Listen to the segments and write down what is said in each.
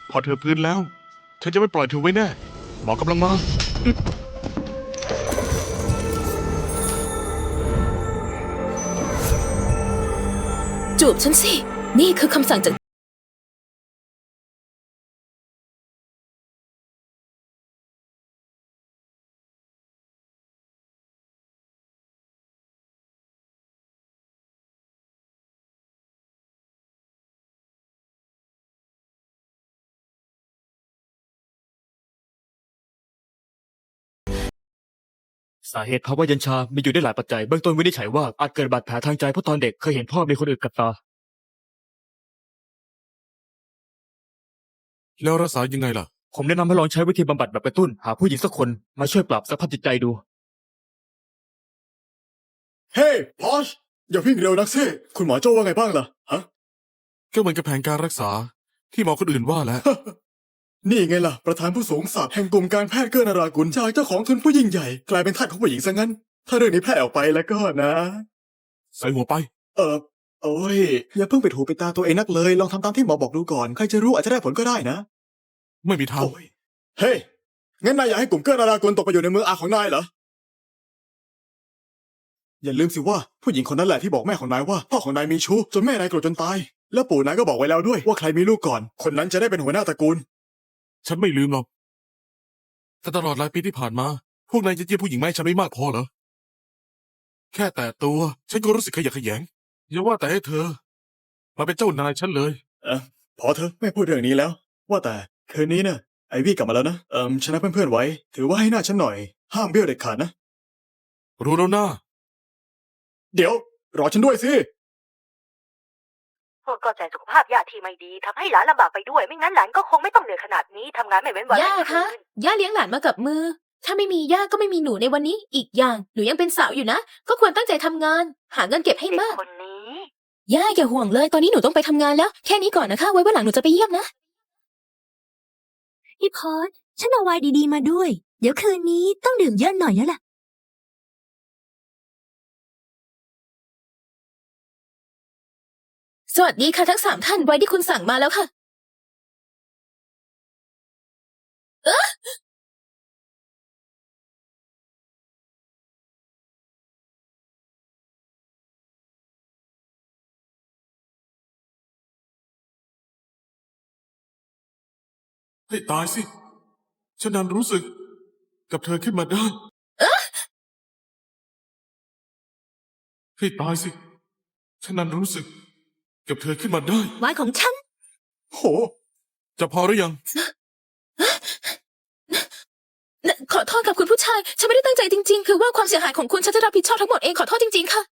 พอเธอพื้นแล้วฉันจะไม่ปล่อยเธอไว้แน่หมอกำลังมาจูบฉันสิ นี่คือคำสั่งจากสาเหตุภาวะเย็นชา มีอยู่ได้หลายปัจจัย เบื้องต้นวินิจฉัยว่าอาจเกิดบาดแผลทางใจเพราะตอนเด็กเคยเห็นพ่อมีคนอื่นกับตาแล้วรักษายังไงล่ะผมแนะนำให้ลองใช้วิธีบำบัดแบบกระตุ้น หาผู้หญิงสักคนมาช่วยปรับสภาพจิตใจดูเฮ้พอชอย่าวิ่งเร็วนักสิคุณหมอโจ้ว่าไงบ้างล่ะฮะก็เหมือนกับแผนการรักษาที่หมอคนอื่นว่าแหล้วนี่ไงล่ะ ประธานผู้สูงศักดิ์แห่งกลุ่มการแพทย์เกื้อนารากุลจากเจ้าของทุนผู้ยิ่งใหญ่ กลายเป็นทาสของผู้หญิงซะงั้น ถ้าเรื่องนี้แพร่ออกไปแล้วก็นะใส่หัวไปโอ้ย อย่าเพิ่งไปถูไปตาตัวเองนักเลย ลองทำตามที่หมอบอกดูก่อน ใครจะรู้อาจจะได้ผลก็ได้นะไม่มีทางโอ้ย เฮ้ย งั้นนายอยากให้กลุ่มเกื้อนารากุลตกไปอยู่ในมืออาของนายเหรอ อย่าลืมสิว่าผู้หญิงคนนั้นแหละที่บอกแม่ของนายว่าพ่อของนายมีชู้จนแม่นายโกรธจนตาย แล้วปู่นายก็บอกไว้แล้วด้วยว่าใครมีลูกก่อน คนนั้นจะได้เป็นหัวหน้าตระกูลฉันไม่ลืมหรอก แต่ตลอดหลายปีที่ผ่านมา พวกนายจะเยี่ยมผู้หญิงไม่ฉันไม่มากพอเหรอ แค่แต่ตัว ฉันก็รู้สึกขยะแขยง อย่าว่าแต่ให้เธอ มาเป็นเจ้านายฉันเลยพอเถอะไม่พูดเรื่องนี้แล้ว ว่าแต่คืนนี้นะไอวี่กลับมาแล้วนะชนะเพื่อนๆไว้ ถือว่าให้หน้าฉันหน่อย ห้ามเบี้ยวเด็ดขาดนะรู้แล้วนะเดี๋ยว รอฉันด้วยสิพวกก็ใจสุขภาพย่าที่ไม่ดีทำให้หลานลำบากไปด้วย ไม่งั้นหลานก็คงไม่ต้องเหนื่อยขนาดนี้ทำงานไม่เว้นวันย่าไม่คะคืนย่าเลี้ยงหลานมากับมือ ถ้าไม่มีย่าก็ไม่มีหนูในวันนี้ อีกอย่างหนูยังเป็นสาวอยู่นะ ก็ควรตั้งใจทำงาน หาเงินเก็บให้เด็กมากคนนี้ย่าอย่าห่วงเลย ตอนนี้หนูต้องไปทำงานแล้ว แค่นี้ก่อนนะคะ ไว้วันหลังหนูจะไปเยี่ยมนะพี่พอดฉันเอาไวน์ดีๆมาด้วย เดี๋ยวคืนนี้ต้องดื่มเยอะหน่อยแล้วล่ะสวัสดีค่ะทั้ง3 ท่านไว้ที่คุณสั่งมาแล้วค่ะให้ตายสิ ฉันนั้นรู้สึก กับเธอขึ้นมาได้ ให้ตายสิ ฉันนั้นรู้สึก กับเธอขึ้นมาได้ไวน์ของฉันโหจะพอหรือยังขอโทษกับคุณผู้ชาย ฉันไม่ได้ตั้งใจจริงๆ คือว่าความเสียหายของคุณฉันจะรับผิดชอบทั้งหมดเอง ขอโทษจริงๆ ค่ะ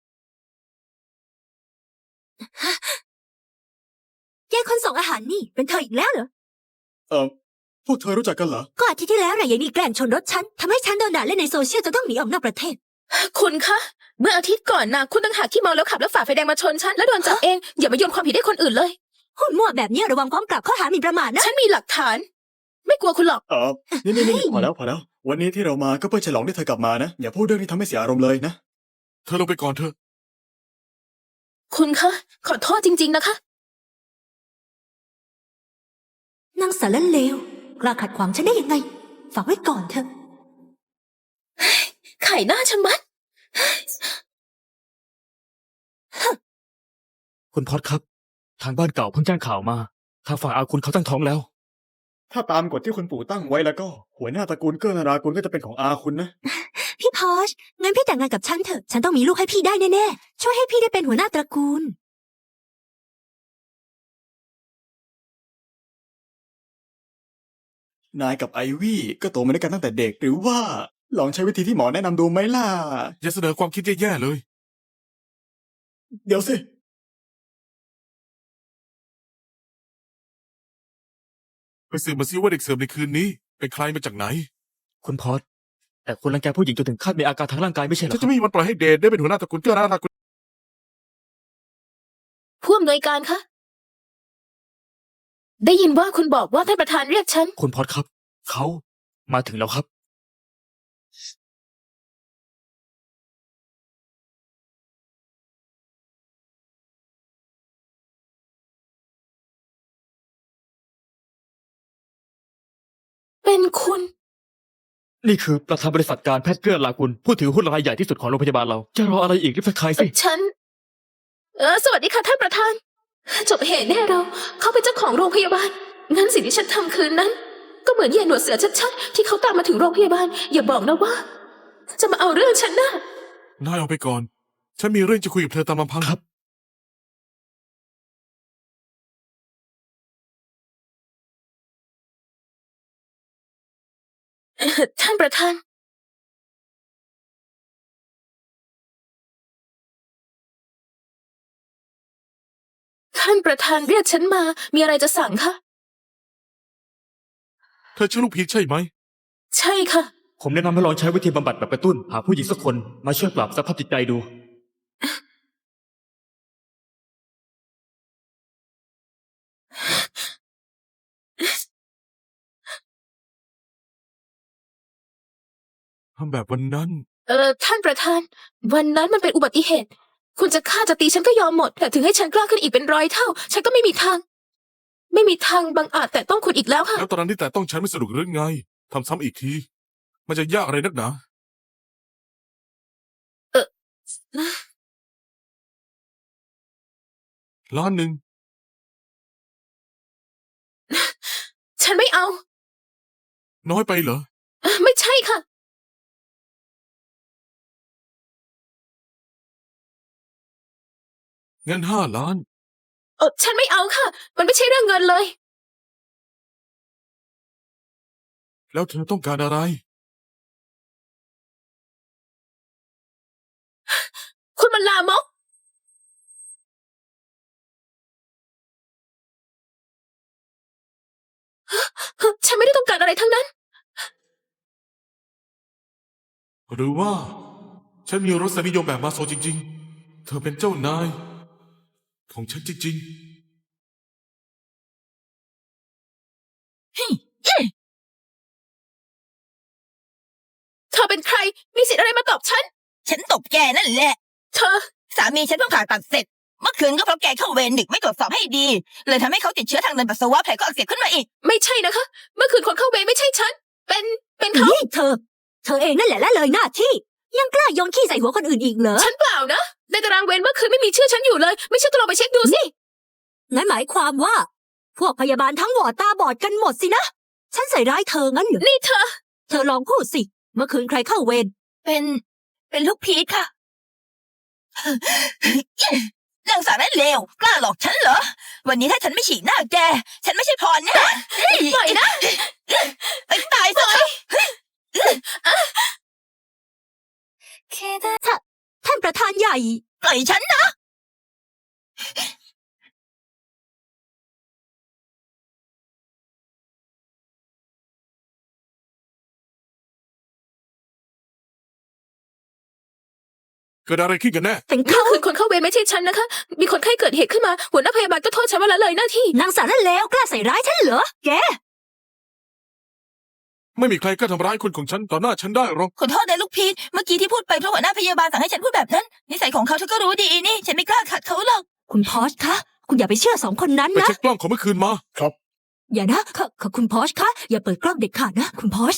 ยายคนส่งอาหารนี่เป็นเธออีกแล้วเหรอพวกเธอรู้จักกันเหรอก็อาทิตย์ที่แล้วน่ะยายนี่แกล้งชนรถฉันทำให้ฉันโดนด่าเล่นในโซเชียลจนต้องหนีออกนอกประเทศคุณคะ เมื่ออาทิตย์ก่อนนะคุณตั้งหากที่เมาแล้วขับแล้วฝ่าไฟแดงมาชนฉันแล้วโดนจับเอง อย่ามาโยนความผิดให้คนอื่นเลยหุ่นมั่วแบบนี้ระวังฟ้องกลับข้อหาหมิ่นประมาทนะฉันมีหลักฐาน ไม่กลัวคุณหรอกนี่พอแล้ว วันนี้ที่เรามาก็เพื่อฉลองที่เธอกลับมานะ อย่าพูดเรื่องที่ทำให้เสียอารมณ์เลยนะเธอลงไปก่อนเถอะคุณคะ ขอโทษจริงๆนะคะนางสารเลวกล้าขัดขวางฉันได้ยังไง ฝากไว้ก่อนเถอะไข่หน้าชะมัดคุณพอดครับ ทางบ้านเก่าเพิ่งแจ้งข่าวมา ทางฝั่งอาคุณเขาตั้งท้องแล้วถ้าตามกฎที่คุณปู่ตั้งไว้แล้วก็ หัวหน้าตระกูลเกื้อนารากุลก็จะเป็นของอาคุณนะพี่พอชงั้นพี่แต่งงานกับฉันเถอะ ฉันต้องมีลูกให้พี่ได้แน่ๆ ช่วยให้พี่ได้เป็นหัวหน้าตระกูลนายกับไอวี่ก็โตมาด้วยกันตั้งแต่เด็ก หรือว่าลองใช้วิธีที่หมอแนะนำดูไหมล่ะอย่าเสนอความคิดแย่ๆเลยเดี๋ยวสิไปสืบมาซิว่าเด็กเสิร์ฟในคืนนี้ เป็นใครมาจากไหนคุณพอดแต่คุณรังแกผู้หญิงจนถึงขั้นมีอาการทางร่างกายไม่ใช่เหรฉัอน คจะรับไม่มีวันปล่อยให้เดทได้เป็นหัวหน้าตระกูลเกื้อนารากุลผู้อำนวยการคะ ได้ยินว่าคุณบอกว่าท่านประธานเรียกฉันคุณพอดครับ เขามาถึงแล้วครับเป็นคุณนี่คือประธานบริษัทการแพทย์เกื้อลากุลผู้ถือหุ้นรายใหญ่ที่สุดของโรงพยาบาลเรา จะรออะไรอีกรีบสักทายสิฉัน สวัสดีค่ะท่านประธาน จบเหตุแน่เราเขาเป็นเจ้าของโรงพยาบาล งั้นสิ่งที่ฉันทำคืนนั้น ก็เหมือนเหยียดหนวดเสือชัดๆที่เขาตามมาถึงโรงพยาบาล อย่าบอกนะว่า จะมาเอาเรื่องฉันนะนายเอาไปก่อน ฉันมีเรื่องจะคุยกับเธอตามลำพังครับท่านประธาน ท่านประธานเรียกฉันมา มีอะไรจะสั่งคะเธอชื่อลูกพีชใช่ไหมใช่ค่ะผมแนะนำให้ลองใช้วิธีบำบัดแบบกระตุ้น หาผู้หญิงสักคนมาช่วยปรับสภาพจิตใจดูทำแบบวันนั้นท่านประธาน วันนั้นมันเป็นอุบัติเหตุ คุณจะฆ่าจะตีฉันก็ยอมหมด แต่ถึงให้ฉันกล้าขึ้นอีกเป็น100 เท่า ฉันก็ไม่มีทาง ไม่มีทางบังอาจแต่ต้องคุณอีกแล้วค่ะแล้วตอนนั้นที่แต่ต้องฉันไม่สนุกหรือไง ทำซ้ำอีกที มันจะยากอะไรนักหนา ล้านหนึ่งฉันไม่เอาน้อยไปเหรอไม่ใช่ค่ะงั้น5 ล้านฉันไม่เอาค่ะ มันไม่ใช่เรื่องเงินเลยแล้วเธอต้องการอะไรคุณมันลามก ฉันไม่ได้ต้องการอะไรทั้งนั้นหรือว่า ฉันมีรสนิยมแบบมาโซจริงๆ เธอเป็นเจ้านาย ของฉันจริงเธอเป็นใคร มีสิทธิ์อะไรมาตอบฉันฉันตบแกนั่นแหละเธอสามีฉันเพิ่งผ่าตัดเสร็จ เมื่อคืนก็เพราะแกเข้าเวรดึกไม่ตรวจสอบให้ดี เลยทำให้เขาติดเชื้อทางเดินปัสสาวะแผลก็อักเสบขึ้นมาอีกไม่ใช่นะคะ เมื่อคืนคนเข้าเวรไม่ใช่ฉัน เป็นเขานี่เธอเองนั่นแหละละเลยหน้าที่ ยังกล้าโยนขี้ใส่หัวคนอื่นอีกเหรอฉันเปล่านะ ในตารางเวรเมื่อคืนไม่มีชื่อฉันอยู่เลย ไม่เชื่อก็ลองไปเช็คดูสิงั้นหมายความว่า พวกพยาบาลทั้งวอร์ดตาบอดกันหมดสินะ ฉันใส่ร้ายเธองั้นเหรอนี่เธอเธอลองพูดสิ เมื่อคืนใครเข้าเวรเป็นลูกพีชค่ะ นางสาวนั้นเลว กล้าหลอกฉันเหรอ วันนี้ถ้าฉันไม่ฉีกหน้าแก ฉันไม่ใช่พรแน่ปล่อยนะไปตายซะท่านประธานใหญ่ปล่อยฉันนะๆ เกิดอะไรขึ้นกันแน่เป็นเมื่เขาอคืนคนเข้าเวรไม่ใช่ฉันนะคะ มีคนไข้เกิดเหตุขึ้นมา หัวหน้าพยาบาลก็โทษฉันว่าละเลยหน้าที่นางสาวนั่นแล้วกล้าใส่ร้ายฉันเหรอ แกไม่มีใครกล้าทำร้ายคนของฉันต่อหน้าฉันได้หรอกขอโทษนะลูกพีช เมื่อกี้ที่พูดไปเพราะหัวหน้าพยาบาลสั่งให้ฉันพูดแบบนั้น นิสัยของเขาเธอก็รู้ดีนี่ ฉันไม่กล้าขัดเขาหรอกคุณพอชคะ คุณอย่าไปเชื่อสองคนนั้นไปนะเช็คกล้องของเมื่อคืนมาอย่านะคุณพอชคะ อย่าเปิดกล้องเด็ดขาดนะ คุณพอช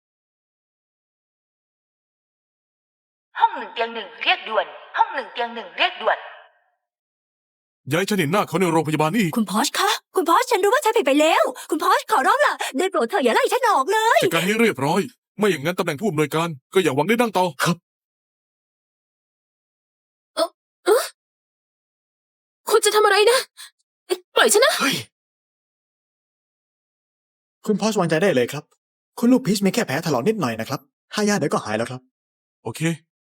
ห้อง1 เตียง 1 เรียกด่วน ห้อง1 เตียง 1 เรียกด่วนย้ายฉันเห็นหน้าเขาในโรงพยาบาลนี่อีกคุณพอชคะ คุณพอชฉันรู้ว่าฉันผิดไปแล้ว คุณพอชขอร้องล่ะได้โปรดเธออย่าไล่ฉันออกเลยจัดการให้เรียบร้อย ไม่อย่างนั้นตำแหน่งผู้อำนวยการก็อย่าหวังได้ดังต่อคุณจะทำอะไรนะ ปล่อยฉันนะคุณพอชวางใจได้เลยครับ คุณลูกพีชมีแค่แผลถลอกนิดหน่อยนะครับทายาเดี๋ยวก็หายแล้วครับโอเค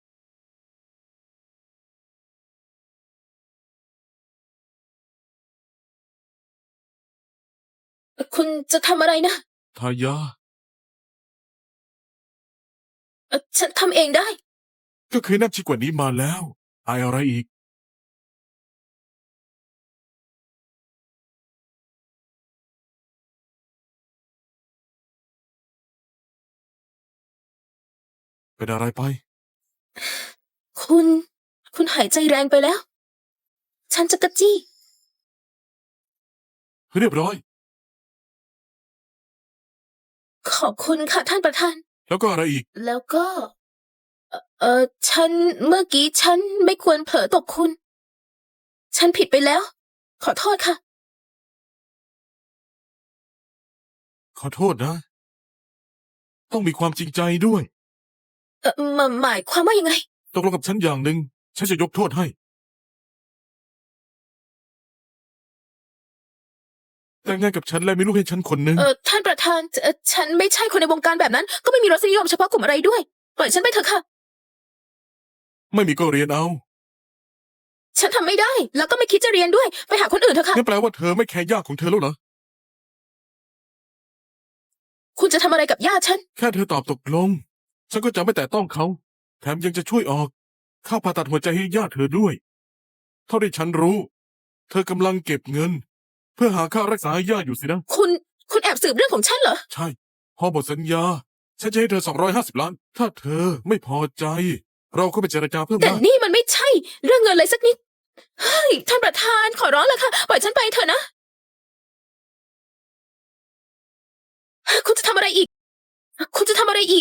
คุณจะทำอะไรนะทายาฉันทำเองได้ก็เคยแนบชิดกว่านี้มาแล้ว อายอะไรอีก เป็นอะไรไปคุณหายใจแรงไปแล้ว ฉันจะกระจี้เรียบร้อยขขอบคุณค่ะท่านประธานแล้วก็อะไรอีกแล้วก็ เมื่อกี้ฉันไม่ควรเผลอตกคุณ ฉันผิดไปแล้ว ขอโทษค่ะขอโทษนะ ต้องมีความจริงใจด้วยหมายความว่ายังไงตกลงกับฉันอย่างหนึ่งฉันจะยกโทษให้ แต่งงานกับฉันและมีลูกให้ฉันคนหนึ่งท่านประธานฉันไม่ใช่คนในวงการแบบนั้น ก็ไม่มีรสนิยมเฉพาะกลุ่มอะไรด้วย ปล่อยฉันไปเถอะค่ะไม่มีก็เรียนเอาฉันทำไม่ได้ แล้วก็ไม่คิดจะเรียนด้วย ไปหาคนอื่นเถอะค่ะงั้นแปลว่าเธอไม่แคร์ญาติของเธอแล้วเหรอคุณจะทำอะไรกับญาติฉันแค่เธอตอบตกลง ฉันก็จะไม่แตะต้องเขา แถมยังจะช่วยออกค่าผ่าตัดหัวใจให้ญาติเธอด้วย เท่าที่ฉันรู้ เธอกำลังเก็บเงิน เพื่อหาค่ารักษาให้ญาติอยู่สินะคุณแอบสืบเรื่องของฉันเหรอใช่ พอหมดสัญญา ฉันจะให้เธอ250 ล้าน ถ้าเธอไม่พอใจ เราก็ไปเจรจาเพิ่มแต่ได้นี่มันไม่ใช่ เรื่องเงินเลยสักนิด เฮ้ย ท่านประธานขอร้องแล้วค่ะ ปล่อยฉันไปเถอะนะ คุณจะทำอะไรอีก คุณจะทำอะไรอีก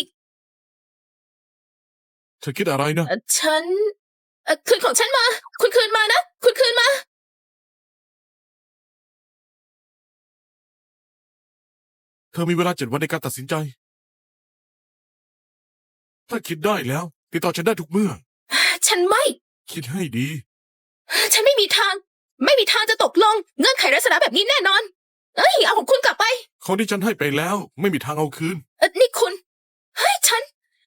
เธอคิดอะไรนะฉันคืนของฉันมา คุณคืนมานะ คุณคืนมาเธอมีเวลา7 วันในการตัดสินใจ ถ้าคิดได้แล้ว ติดต่อฉันได้ทุกเมื่อฉันไม่คิดให้ดีฉันไม่มีทาง ไม่มีทางจะตกลง เงื่อนไขลักษณะแบบนี้แน่นอน เอ้ย เอาของคุณกลับไปของที่ฉันให้ไปแล้ว ไม่มีทางเอาคืนนี่คุณ เฮ้ย ฉัน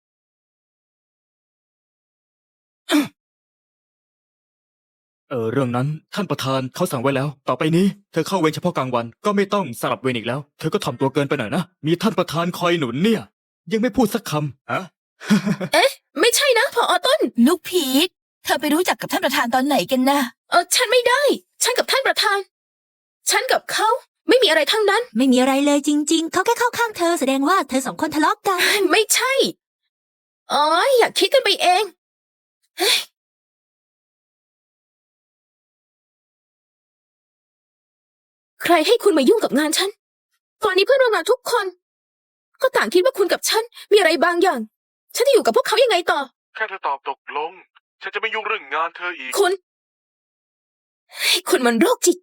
เรื่องนั้นท่านประธานเขาสั่งไว้แล้ว ต่อไปนี้เธอเข้าเวรเฉพาะกลางวันก็ไม่ต้องสลับเวรอีกแล้ว เธอก็ทำตัวเกินไปหน่อยนะ มีท่านประธานคอยหนุนเนี่ย ยังไม่พูดสักคำอะไม่ใช่นะผอต้นลูกพีทเธอไปรู้จักกับท่านประธานตอนไหนกันนะฉันไม่ได้ ฉันกับท่านประธาน ฉันกับเขาไม่มีอะไรทั้งนั้นไม่มีอะไรเลยจริง ๆ เขาแค่เข้าข้างเธอแสดงว่าเธอสองคนทะเลาะกันไม่ใช่ อ๋อ อยากคิดกันไปเองเฮ้ยใครให้คุณมายุ่งกับงานฉัน ตอนนี้เพื่อนร่วมงานทุกคน ก็ต่างคิดว่าคุณกับฉันมีอะไรบางอย่าง ฉันจะอยู่กับพวกเขายังไงต่อแค่เธอตอบตกลง ฉันจะไม่ยุ่งเรื่องงานเธออีกคุณเฮ้ยคุณมันโรคจิต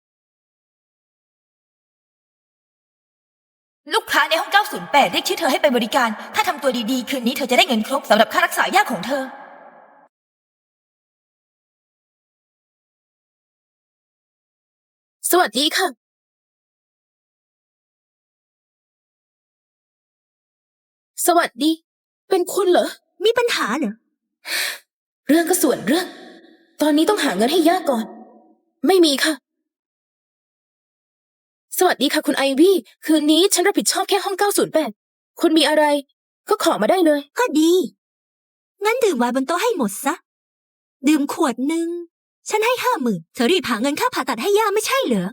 ลูกค้าในห้อง 908 เรียกชื่อเธอให้ไปบริการ ถ้าทำตัวดีๆ คืนนี้เธอจะได้เงินครบสำหรับค่ารักษายาของเธอสวัสดีค่ะ สวัสดี เป็นคุณเหรอมีปัญหาเหรอเรื่องก็ส่วนเรื่อง ตอนนี้ต้องหาเงินให้ย่าก่อน ไม่มีค่ะ สวัสดีค่ะคุณไอวี่ คืนนี้ฉันรับผิดชอบแค่ห้อง 908 คุณมีอะไร ก็ขอมาได้เลยก็ดี งั้นดื่มไวน์บนโต๊ะให้หมดซะ ดื่มขวดหนึ่ง ฉันให้50,000เธอรีบหาเงินค่าผ่าตัดให้ย่าไม่ใช่เหรอ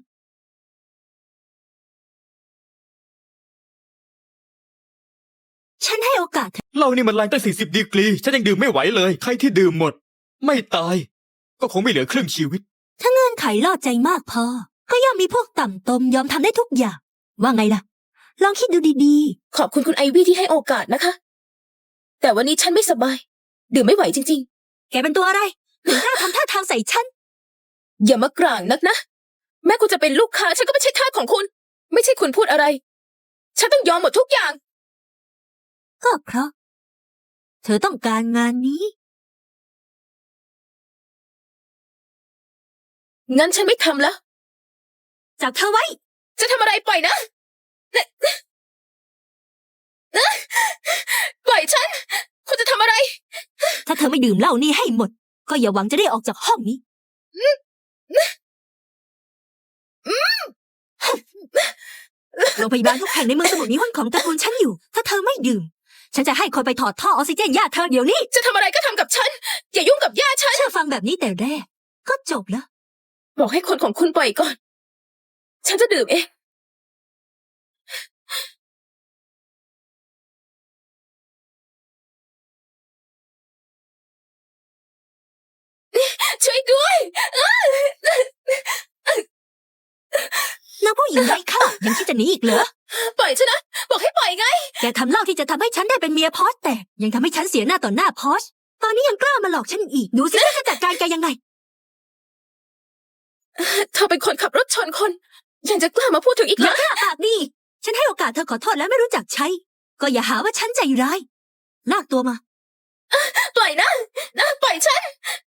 ฉันให้โอกาสเธอเหล้านี่มันแรงตั้ง40 ดีกรี ฉันยังดื่มไม่ไหวเลย ใครที่ดื่มหมด ไม่ตาย ก็คงไม่เหลือครึ่งชีวิตถ้าเงื่อนไขล่อใจมากพอ ก็ย่อมมีพวกต่ำตมยอมทำได้ทุกอย่าง ว่าไงล่ะ ลองคิดดูดีขอบคุณคุณไอวี่ที่ให้โอกาสนะคะ แต่วันนี้ฉันไม่สบาย ดื่มไม่ไหวจริงๆ แกเป็นตัวอะไรถึงกล้าทำท่าทางใส่ฉันๆ อย่ามากร่างนักนะ แม้คุณจะเป็นลูกค้าฉันก็ไม่ใช่ทาสของคุณ ไม่ใช่คุณพูดอะไร ฉันต้องยอมหมดทุกอย่างก็เพราะ เธอต้องการงานนี้งั้นฉันไม่ทำแล้วจับเธอไว้จะทำอะไรปล่อยนะ ปล่อยฉัน คุณจะทำอะไรถ้าเธอไม่ดื่มเหล้านี่ให้หมด ก็อย่าหวังจะได้ออกจากห้องนี้ โรงพยาบาลทุกแห่งในเมืองสมุทรมีหุ้นของตระกูลฉันอยู่ ถ้าเธอไม่ดื่ม ฉันจะให้คนไปถอดท่อออกซิเจนย่าเธอเดี๋ยวนี้จะทำอะไรก็ทำกับฉัน อย่ายุ่งกับย่าฉันเชื่อฟังแบบนี้แต่แรก ก็จบแล้วบอกให้คนของคุณปล่อยก่อน ฉันจะดื่มเอง ช่วยด้วยนางผู้หญิงไร้ค่ายังคิดจะหนีอีกเหรอปล่อยฉันนะ บอกให้ปล่อยไงแกทำเหล่าที่จะทำให้ฉันได้เป็นเมียพอสแต่ยังทำให้ฉันเสียหน้าต่อหน้าพอสตอนนี้ยังกล้ามาหลอกฉันอีก ดูสิฉันจะจัดการแกยังไงเธอเป็นคนขับรถชนคน ยังจะกล้ามาพูดถึงอีกเหรอย่าอกล้าปากดีฉันให้โอกาสเธอขอโทษแล้วไม่รู้จักใช้ ก็อย่าหาว่าฉันใจร้าย ลากตัวมาปล่อยนะปล่อยฉัน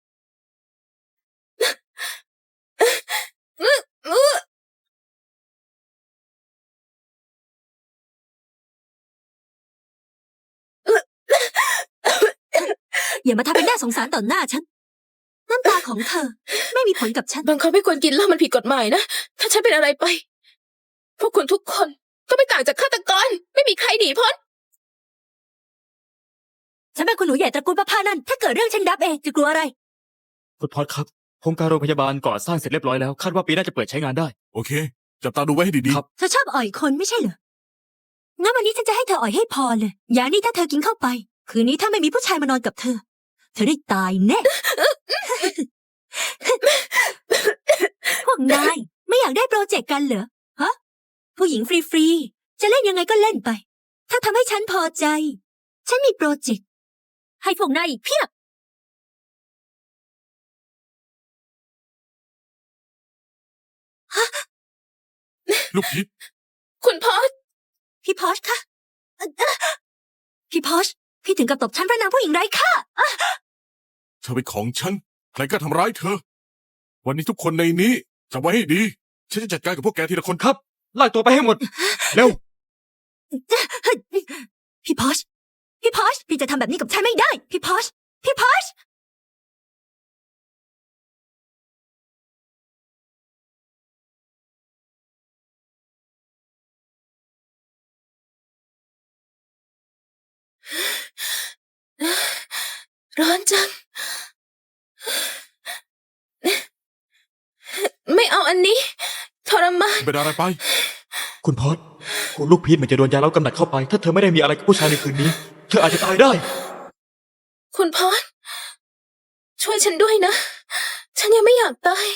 อย่ามาทำเป็นน่าสงสารต่อหน้าฉัน น้ำตาของเธอ ไม่มีผลกับฉันบางคนไม่ควรกินเหล้ามันผิดกฎหมายนะ ถ้าฉันเป็นอะไรไป พวกคุณทุกคนก็ไม่ต่างจากฆาตกร ไม่มีใครหนีพ้นฉันเป็นคุณหนูใหญ่ตระกูลประพานันท์ถ้าเกิดเรื่องฉันรับเองจะกลัวอะไรคุณพอดครับโครงการโรงพยาบาลก่อสร้างเสร็จเรียบร้อยแล้วคาดว่าปีหน้าจะเปิดใช้งานได้โอเค จับตาดูไว้ให้ดีครับเธอชอบอ่อยคนไม่ใช่เหรอ งั้นวันนี้ฉันจะให้เธออ่อยให้พอเลย อย่างนี้ถ้าเธอกินเข้าไป คืนนี้ถ้าไม่มีผู้ชายมานอนกับเธอ เธอได้ตายแน่ พวกนายไม่อยากได้โปรเจกต์กันเหรอ ฮะ ผู้หญิงฟรีๆ จะเล่นยังไงก็เล่นไป ถ้าทำให้ฉันพอใจ ฉันมีโปรเจกต์ ให้พวกนายอีกเพียบๆ ลูกพิษคุณพอสพี่พอชคะพี่พอชพี่ถึงกับตบฉันเพราะนางผู้หญิงไร้ค่าเธอเป็นของฉัน ใครกล้าทำร้ายเธอ วันนี้ทุกคนในนี้จำไว้ให้ดี ฉันจะจัดการกับพวกแกทีละคนครับลากตัวไปให้หมด เร็วพี่พอชพี่จะทำแบบนี้กับฉันไม่ได้ พี่พอชร้อนจัง ไม่เอาอันนี้ ทรมานเป็นอะไรไปคุณพอดคุณลูกพีชเหมือนจะโดนยาเล้ากำหนัดเข้าไป ถ้าเธอไม่ได้มีอะไรกับผู้ชายในคืนนี้ เธออาจจะตายได้คุณพอสช่วยฉันด้วยนะ ฉันยังไม่อยากตาย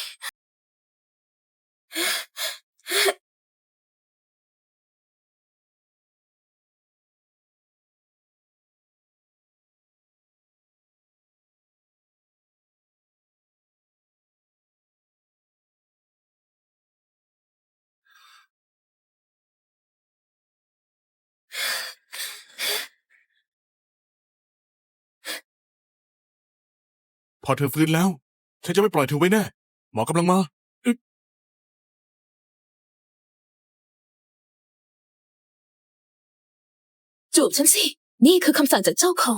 พอเธอฟื้นแล้ว ฉันจะไม่ปล่อยเธอไว้แน่ หมอกำลังมาจูบฉันสิ นี่คือคำสั่งจากเจ้าของ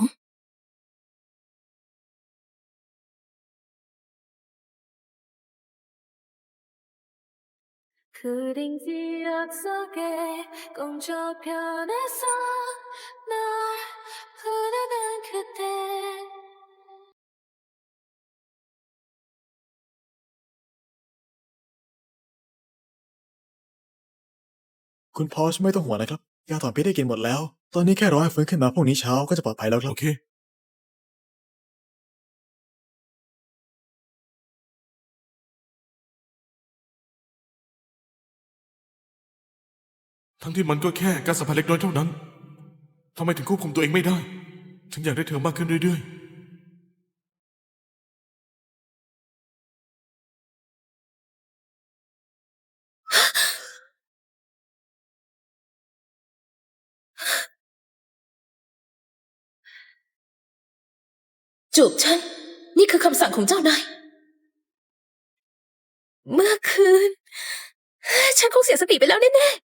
그 링지 약속에 공조편에서 널 부르는 그때 คุณพอชไม่ต้องห่วงนะครับ ยาถอนพิษได้กินหมดแล้ว ตอนนี้แค่รอให้ฟื้นขึ้นมาพรุ่งนี้เช้าก็จะปลอดภัยแล้วครับโอเค ทั้งที่มันก็แค่การสัมผัสเล็กน้อยเท่านั้น ทำไมถึงควบคุมตัวเองไม่ได้ ฉันอยากได้เธอมากขึ้นเรื่อยๆจูบฉัน นี่คือคำสั่งของเจ้านาย เมื่อคืน ฉันคงเสียสติไปแล้วแน่ๆ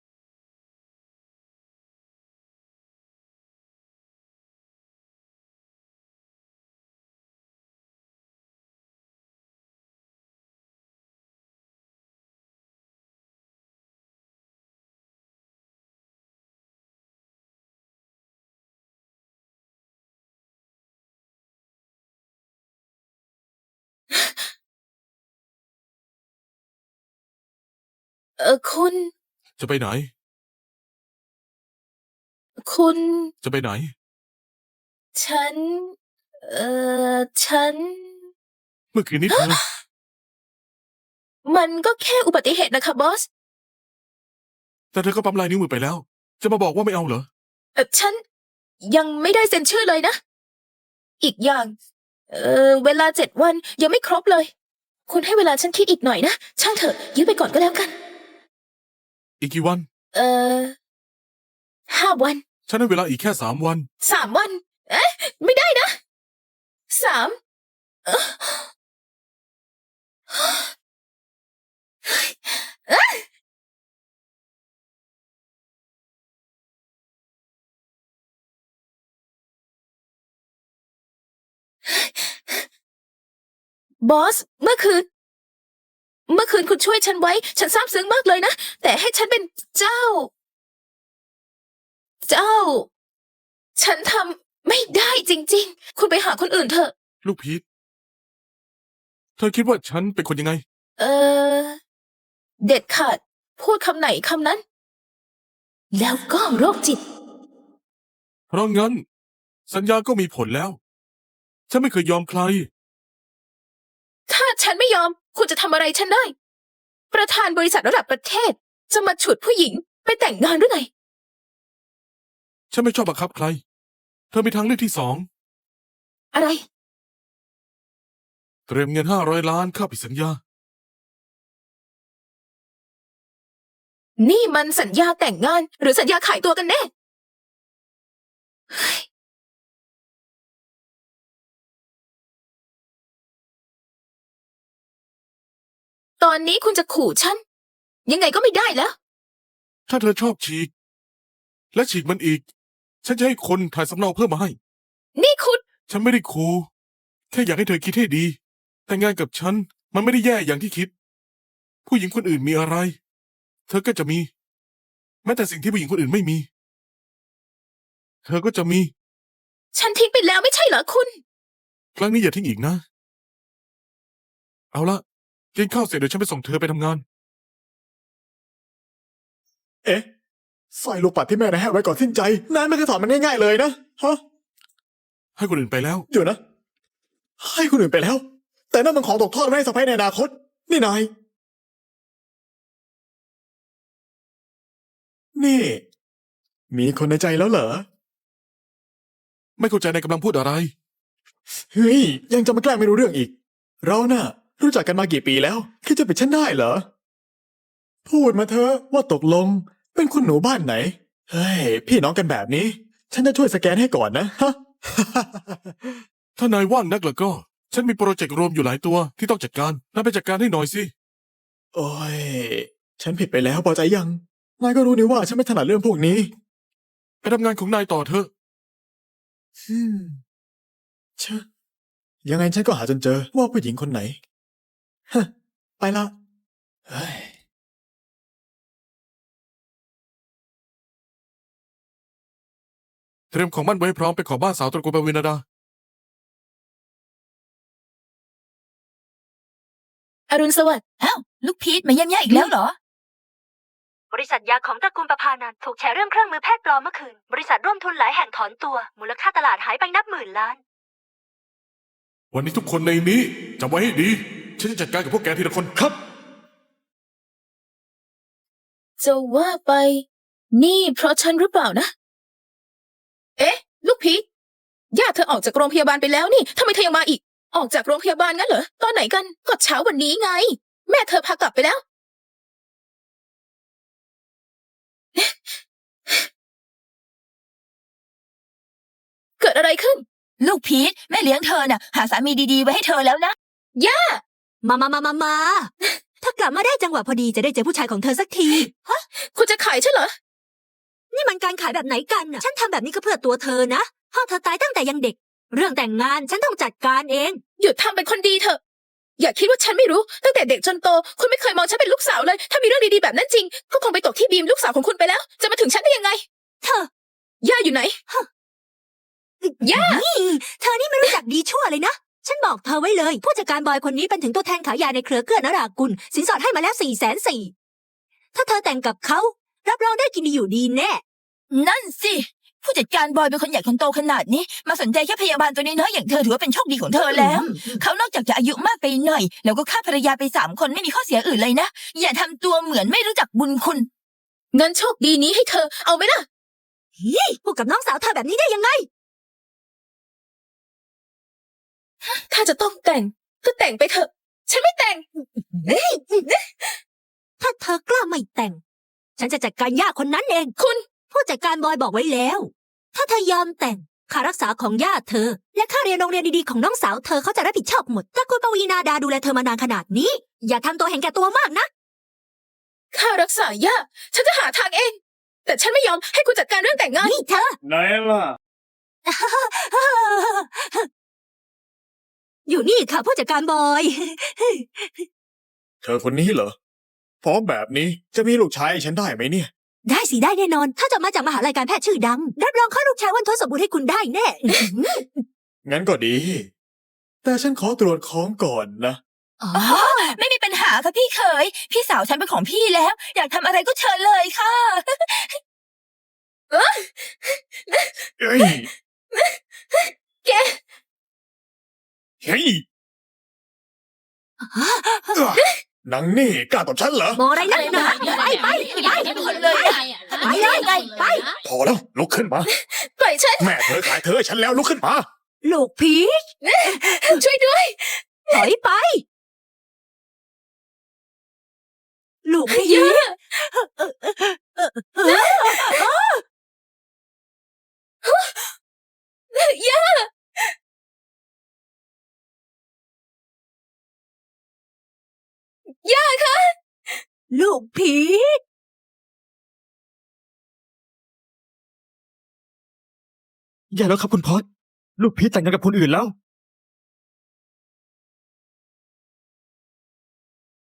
คุณจะไปไหนคุณจะไปไหนฉัน ฉันเมื่อคืนนี้เธอมันก็แค่อุบัติเหตุนะคะบอสแต่เธอก็ปั๊มลายนิ้วมือไปแล้ว จะมาบอกว่าไม่เอาเหรอฉันยังไม่ได้เซ็นชื่อเลยนะ อีกอย่าง เวลา7 วันยังไม่ครบเลย คุณให้เวลาฉันคิดอีกหน่อยนะ ช่างเถอะยื้อไปก่อนก็แล้วกันอีกกี่วัน 5 วันฉันให้เวลาอีกแค่3 วัน 3 วัน เอ๊ะ ไม่ได้นะ 3 บอส เมื่อคืนคุณช่วยฉันไว้ ฉันซาบซึ้งมากเลยนะ แต่ให้ฉันเป็นเจ้า ฉันทำไม่ได้จริงๆ คุณไปหาคนอื่นเถอะลูกพีทเธอคิดว่าฉันเป็นคนยังไงเด็ดขาด พูดคำไหนคำนั้น แล้วก็โรคจิตเพราะงั้น สัญญาก็มีผลแล้ว ฉันไม่เคยยอมใครถ้าฉันไม่ยอม คุณจะทำอะไรฉันได้ ประธานบริษัทระดับประเทศ จะมาฉุดผู้หญิงไปแต่งงานหรือไงฉันไม่ชอบบังคับใคร เธอมีทางเลือกที่2 อะไรเตรียมเงิน500 ล้านค่าผิดสัญญานี่มันสัญญาแต่งงานหรือสัญญาขายตัวกันแน่ ตอนนี้คุณจะขู่ฉัน ยังไงก็ไม่ได้แล้วถ้าเธอชอบฉีก และฉีกมันอีก ฉันจะให้คนถ่ายสำเนาเพิ่มมาให้นี่คุณฉันไม่ได้คูแค่อยากให้เธอคิดให้ดี แต่งงานกับฉันมันไม่ได้แย่อย่างที่คิด ผู้หญิงคนอื่นมีอะไร เธอก็จะมี แม้แต่สิ่งที่ผู้หญิงคนอื่นไม่มี เธอก็จะมีฉันทิ้งไปแล้วไม่ใช่เหรอคุณครั้งนี้อย่าทิ้งอีกนะ เอาละกินข้าวเสร็จเดี๋ยวฉันไปส่งเธอไปทำงานเอ๊ะสร้อยลูกปัดที่แม่นายให้ไว้ก่อนสิ้นใจนายไม่เคยถอดมันง่ายๆเลยนะฮะให้คนอื่นไปแล้วเดี๋ยวนะ ให้คนอื่นไปแล้ว แต่นั่นมันของตกทอดไว้ให้สะใภ้ในอนาคต นี่นาย นี่ มีคนในใจแล้วเหรอไม่เข้าใจนายกำลังพูดอะไรเฮ้ย ยังจะมาแกล้งไม่รู้เรื่องอีก เราน่ะ รู้จักกันมากี่ปีแล้วคิดจะปิดฉันได้เหรอ พูดมาเถอะว่าตกลง เป็นคุณหนูบ้านไหน เฮ้ย พี่น้องกันแบบนี้ ฉันจะช่วยสแกนให้ก่อนนะฮะถ้านายว่างนักแล้วก็ ฉันมีโปรเจกต์รวมอยู่หลายตัวที่ต้องจัดการนายไปจัดการให้หน่อยสิโอ้ย ฉันผิดไปแล้วพอใจยัง นายก็รู้นี่ว่าฉันไม่ถนัดเรื่องพวกนี้ไปทำงานของนายต่อเถอะเชอะยังไงฉันก็หาจนเจอว่าผู้หญิงคนไหน ฮะ ไปละเฮ้ยเตรียมของมั่นไว้ให้พร้อมไปขอบ้านสาวตระกูลปวินาดาอรุณสวัสดิ์อ้าวลูกพีทมาเยี่ยมย่าอีกแล้วเหรอบริษัทยาของตระกูลประพานันท์ถูกแฉเรื่องเครื่องมือแพทย์ปลอมเมื่อคืน บริษัทร่วมทุนหลายแห่งถอนตัว มูลค่าตลาดหายไปนับหมื่นล้านวันนี้ทุกคนในนี้จำไว้ให้ดี ฉันจะจัดการกับพวกแกทีละคนครับจะว่าไป นี่เพราะฉันหรือเปล่านะ เอ๊ะ ลูกพีทญาติเธอออกจากโรงพยาบาลไปแล้วนี่ทำไมเธอยังมาอีก ออกจากโรงพยาบาลงั้นเหรอ ตอนไหนกัน ก็เช้าวันนี้ไง แม่เธอพากลับไปแล้ว เกิดอะไรขึ้นลูกพีทแม่เลี้ยงเธอน่ะ หาสามีดีๆไว้ให้เธอแล้วนะมาถ้ากลับมาได้จังหวะพอดีจะได้เจอผู้ชายของเธอสักทีคุณจะขายฉันเหรอนี่มันการขายแบบไหนกันน่ะ ฉันทำแบบนี้ก็เพื่อตัวเธอนะพ่อเธอตายตั้งแต่ยังเด็ก เรื่องแต่งงานฉันต้องจัดการเองหยุดทำเป็นคนดีเถอะ อย่าคิดว่าฉันไม่รู้ ตั้งแต่เด็กจนโต คุณไม่เคยมองฉันเป็นลูกสาวเลย ถ้ามีเรื่องดีๆแบบนั้นจริง ก็คงไปตกที่บีมลูกสาวของคุณไปแล้ว จะมาถึงฉันได้ยังไงเธอย่าอยู่ไหน ย่านี่เธอนี่ไม่รู้จักดีชั่วเลยนะ ฉันบอกเธอไว้เลย ผู้จัดการบอยคนนี้เป็นถึงตัวแทนขายยาในเครือเกื้อนรากุล สินสอดให้มาแล้ว404,000ถ้าเธอแต่งกับเขารับรองได้กินดีอยู่ดีแน่นั่นสิ ผู้จัดการบอยเป็นคนใหญ่คนโตขนาดนี้ มาสนใจแค่พยาบาลตัวน้อยๆอย่างเธอถือว่าเป็นโชคดีของเธอแล้ว เขานอกจากจะอายุมากไปหน่อย แล้วก็ฆ่าภรรยาไป3 คนไม่มีข้อเสียอื่นเลยนะ อย่าทำตัวเหมือนไม่รู้จักบุญคุณเงินโชคดีนี้ให้เธอ เอาไหมล่ะพูดกับน้องสาวเธอแบบนี้ได้ยังไงถ้าจะต้องแต่งก็แต่งไปเถอะ ฉันไม่แต่งถ้าเธอกล้าไม่แต่ง ฉันจะจัดการย่าคนนั้นเองคุณผู้จัดการบอยบอกไว้แล้ว ถ้าเธอยอมแต่งค่ารักษาของย่าเธอ และค่าเรียนโรงเรียนดีๆของน้องสาวเธอเขาจะรับผิดชอบหมดถ้าคุณปวีนาดาดูแลเธอมานานขนาดนี้ อย่าทำตัวเห็นแก่ตัวมากนะค่ารักษาย่าฉันจะหาทางเอง แต่ฉันไม่ยอมให้คุณจัดการเรื่องแต่งงานนี่เธอไหนล่ะอยู่นี่ค่ะผู้จัดการบอยเธอคนนี้เหรอพร้อมแบบนี้จะมีลูกชายให้ฉันได้ไหมเนี่ยได้สิได้แน่นอน ถ้าจะมาจากมหาลัยการแพทย์ชื่อดัง รับรองข้าลูกชายวันทศสมบูรณ์ให้คุณได้แน่งั้นก็ดี แต่ฉันขอตรวจของก่อนนะอ๋อไม่มีปัญหาค่ะพี่เขย พี่สาวฉันเป็นของพี่แล้ว อยากทำอะไรก็เชิญเลยค่ะเอ้ยแกเฮ้ยหนังนี่กล้าตบฉันเหรอมองอะไรนักหนาไปไปไปคนเลยอะไปเลยไปพอแล้วลุกขึ้นมาปล่อยฉันแม่เธอขายเธอให้ฉันแล้วลุกขึ้นมาลูกผีช่วยด้วยถอยไป ลูกผีย่า ย่าคะลูกผีอย่าแล้วครับคุณพอดลูกพีชแต่งงานกับคนอื่นแล้ว